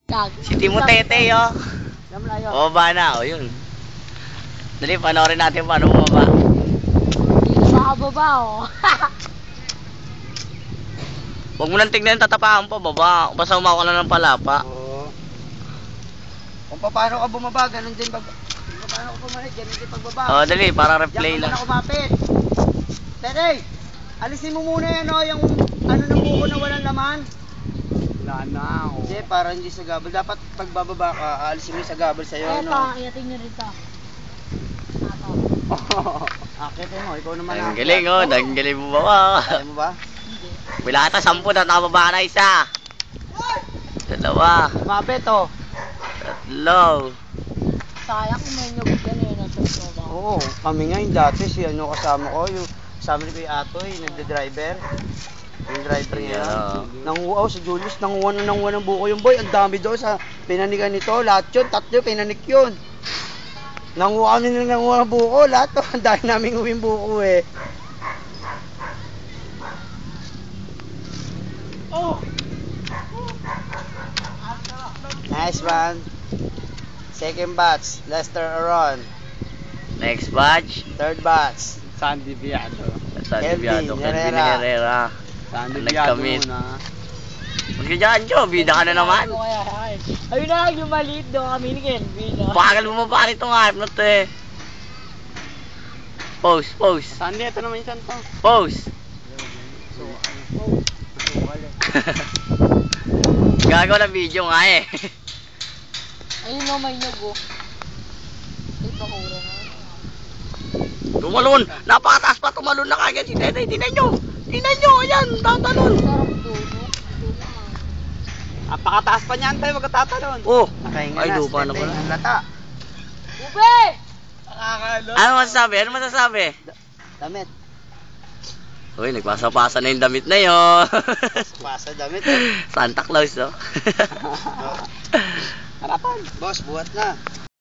Si Timotete, oh. Bumaba na, oh, yun. Dali, panoorin natin paano bumaba. Dito sa kababa, oh. Huwag mo nang tignan, tatapakan pa, baba. Basta umawa ka na ng palapa. Oo. Kung paano ka bumaba, ganun din paano ka pumalit, ganun din pagbaba. Oh, dali, para replay Diyan lang. ka muna kumapit. Tere, alisin mo muna yan, oh, yung ano ng buko na walang laman. Wala na ako. Hindi, para hindi sa gabal. Dapat pagbababa ka, alisin mo yung sa gabal sa'yo, Eto, no? iating nyo rito. Akitin mo, ikaw naman. Ang galing, oh. Ang galing mo ba? Kaya mo ba? Wala ata 10 na nakababa na isa. Dalawa. Kumapit, oh. Tatlo. Sayang kung may nyug yan eh, nasa baba. Oo, kami nga yung dati, si ano kasama ko, yung kasama ni Kuya Atoy, nagde-driver. Yung driver niya. Yeah. Nanguha si Julius, nanguha ng buko yung boy. Ang dami daw sa pinanikan nito. Lahat yun, tatlo pinanik yun. Nanguha kami ng buko, lahat to. Ang dami namin uwing buko eh. Nice one. Second batch, Lester Aron. Next batch. Third batch, Sandy Biado. Sa Kelvin Dibiado. Kelvin Herrera. Herrera. Sandy Ang Biado nagkamit. muna. Huwag ka dyan, Joe. Bida ka na naman. Ano kaya, ay. Ayun na, yung maliit doon kami ni Kelvin. Oh. Bakal bumaba nito nga. Hype na to eh. Pose, pose. Sandy, ito naman yung santo. Pose. Gagawa ng video nga eh. Ayun no, may nyug, oh. Ay, pakura na. Tumalon. Napakataas pa tumalon na kagad si Tete. Tingnan nyo. Tingnan nyo. Ayan. Tatalon. Sarap doon, oh. Apakataas pa niyan tayo, magkatatalon. Oh. nakahinga Ay, na. lupa na Tete, pala. ang lata. Ube! Nakakalo. Ano masasabi? Ano masasabi? Damit. Uy, nagpasa-pasa na yung damit na yun. Pasa damit eh. Santa Claus, oh. Harapan. Boss, buhat na.